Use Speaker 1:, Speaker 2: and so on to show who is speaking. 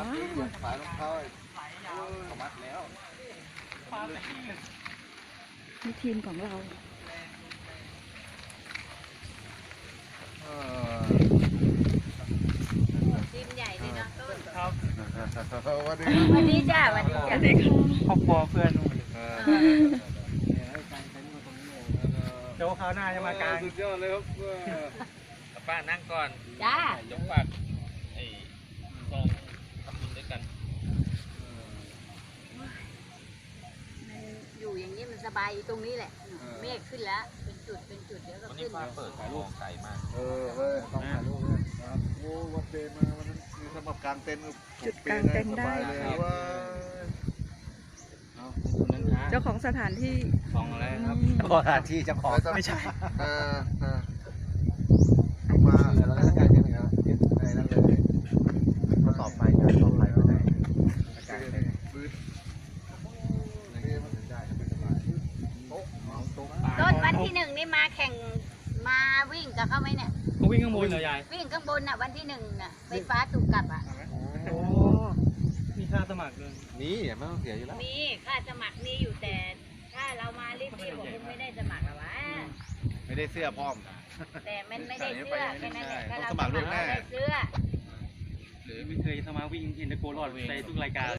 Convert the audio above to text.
Speaker 1: มัดฝารองเท้าเขามัดแล้ว
Speaker 2: นี่ทีมของเรา
Speaker 3: ทีมใหญ่เลยเนาะต้น
Speaker 4: ครับ
Speaker 1: วันนี้
Speaker 3: วันนี้จ้าวันนี้จ้า
Speaker 4: ครอบครัวเพื่อนเดี๋ยวคราวหน้าจะมากลาง
Speaker 1: สุดยอดเลยครับป้านั่งก่อน
Speaker 3: จ้าย
Speaker 1: กปากไอ้ซองทำบุญด้วยกัน
Speaker 3: อยู่อย่างนี้มันสบายตรงนี้แหละเมฆขึ้นแล้วเป็นจุดเดี๋ยวก็
Speaker 1: วันนี้
Speaker 3: ขึ้น
Speaker 1: ป้าเปิดถ่ายรูปไก่มาก
Speaker 5: ต้องถ่ายรูปเลยครับโอ้วัดเดย์มาวันนั้นคือสำหรับกลางเต็นท์
Speaker 2: จุดกลางเต็นท์ได้
Speaker 5: สบายเลยว่า
Speaker 1: เอาคุณนั้นฮะ
Speaker 2: เจ้าของสถานที่
Speaker 1: ซองอะไรครับ
Speaker 4: สถานที่เจ้าของไม่ใช่
Speaker 5: ต้องมาแล้วก็การยังไงครับอะไรนั่นเลย
Speaker 4: ก็ต่อไปการต่อไปไม่ได้
Speaker 5: พื้นนี่มันได้ไม่สบายโต๊ะเมาโต๊ะ
Speaker 3: ต้นวันที่หนึ่งนี่มาแข่งมาวิ่งกับเขาไหมเนี่ย
Speaker 4: เขาวิ่งข้างบนเหรอยาย
Speaker 3: วิ่งข้างบนน่ะวันที่หนึ่งน่ะไฟฟ้าถูกกลับอ่ะ
Speaker 4: โอ้มีค่าสมัครเลย
Speaker 1: นี่ไม่ต้องเสียอยู่แล้ว
Speaker 3: มีค่าสมัครมีอยู่แต่ถ้าเรามารีบๆผมไม่ได้สมัครหรอวะ
Speaker 1: ไม่ได้เสื้อพร้อม
Speaker 3: แต่มันไม่ได้เสื้อแค่นั้นแหละถ้าเรา
Speaker 1: ต้องสมัครล่วงหน้า
Speaker 3: ได้เสื้อ
Speaker 4: หรือไม่เคยสมัครวิ่งเห็นตะโกนรอดในทุกรายการ